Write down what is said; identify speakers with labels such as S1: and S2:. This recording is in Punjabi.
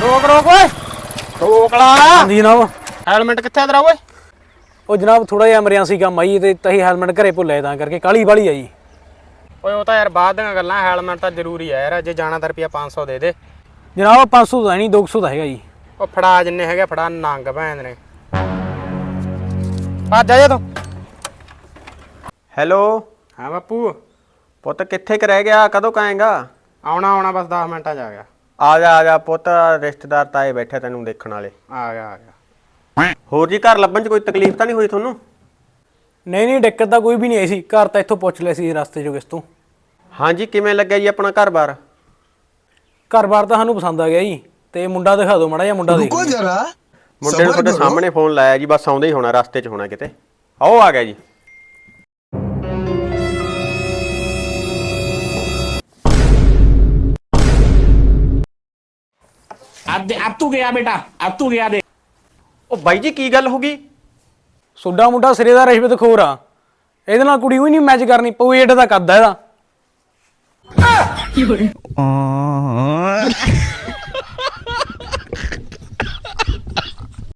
S1: रोक रोक ओए रोक ला
S2: जी जनाब।
S1: हेलमेट कित्थे तेरा ओए
S2: ਉਹ ਜਨਾਬ ਥੋੜਾ ਜਿਹਾ ਐਮਰਜੈਂਸੀ ਕੰਮ ਆਈ ਤੇ ਤਹੀਂ ਹੈਲਮਟ ਘਰੇ ਭੁੱਲਿਆ ਤਾਂ ਕਰਕੇ ਕਾਲੀ ਵਾਲੀ ਆਈ।
S1: ਓਏ ਉਹ ਤਾਂ ਯਾਰ ਬਾਅਦ ਦੀਆਂ ਗੱਲਾਂ ਹੈਲਮਟ ਤਾਂ ਜ਼ਰੂਰੀ ਹੈ ਯਾਰ ਜੇ ਜਾਣਾ ਤਾਂ ਰੁਪਿਆ 500 ਦੇ ਦੇ
S2: ਜਨਾਬ 500 ਦਾ ਨਹੀਂ 200 ਦਾ ਹੈਗਾ ਜੀ।
S1: ਉਹ ਫੜਾ ਜਿੰਨੇ ਹੈਗੇ ਫੜਾ ਨੰਗ ਭੈਣ ਨੇ ਭੱਜ ਜਾ ਤੂੰ।
S3: ਹੈਲੋ
S1: ਹਾਂ ਬਾਪੂ
S3: ਪੁੱਤ ਕਿੱਥੇ ਕੁ ਰਹਿ ਗਿਆ ਕਦੋਂ ਕਾਏਗਾ?
S1: ਆਉਣਾ ਬਸ 10 ਮਿੰਟਾਂ 'ਚ
S3: ਆ ਜਾ ਪੁੱਤ ਰਿਸ਼ਤੇਦਾਰ ਤਾਏ ਬੈਠੇ ਤੈਨੂੰ ਦੇਖਣ ਵਾਲੇ।
S1: ਆ ਗਿਆ
S3: ਹੋਰ ਜੀ ਘਰ ਲੱਭਣ 'ਚ ਕੋਈ ਤਕਲੀਫ ਤਾਂ ਨਹੀਂ ਹੋਈ ਤੁਹਾਨੂੰ?
S2: ਨਹੀਂ ਦਿੱਕਤ ਤਾਂ ਕੋਈ ਵੀ ਨਹੀਂ ਆਈ ਸੀ। ਘਰ ਤਾਂ ਇੱਥੋਂ ਪੁੱਛ ਲਿਆ ਸੀ ਰਸਤੇ 'ਚੋਂ ਕਿਸ ਤੋਂ।
S3: ਹਾਂਜੀ ਕਿਵੇਂ ਲੱਗਿਆ ਜੀ ਆਪਣਾ ਘਰ-ਬਾਰ?
S2: ਘਰ-ਬਾਰ ਤਾਂ ਸਾਨੂੰ ਪਸੰਦ ਆ ਗਿਆ ਜੀ ਤੇ ਮੁੰਡਾ ਦਿਖਾ ਦਿਓ ਮਾੜਾ ਜਿਹਾ ਮੁੰਡਾ ਦੇਖ ਲਈਏ।
S3: ਮੁੰਡੇ ਨੂੰ ਤੁਹਾਡੇ ਸਾਹਮਣੇ ਫੋਨ ਲਾਇਆ ਜੀ ਬਸ ਆਉਂਦਾ ਹੀ ਹੋਣਾ ਰਸਤੇ 'ਚ ਹੋਣਾ ਕਿਤੇ। ਆਓ ਆ ਗਿਆ ਜੀ।
S4: अब तू गया बेटा, अब तू गया देख।
S3: ਉਹ ਬਾਈ ਜੀ ਕੀ ਗੱਲ ਹੋ ਗਈ?
S2: ਸੋਡਾ ਮੁੰਡਾ ਸਿਰੇ ਦਾ ਰਿਸ਼ਵਤ ਖੋਰ ਆ। ਇਹਦੇ ਨਾਲ ਕੁੜੀ ਵੀ ਨਹੀਂ ਮੈਚ ਕਰਨੀ ਪਊ। ਏਡਾ ਦਾ ਕੱਦ ਆ ਇਹਦਾ।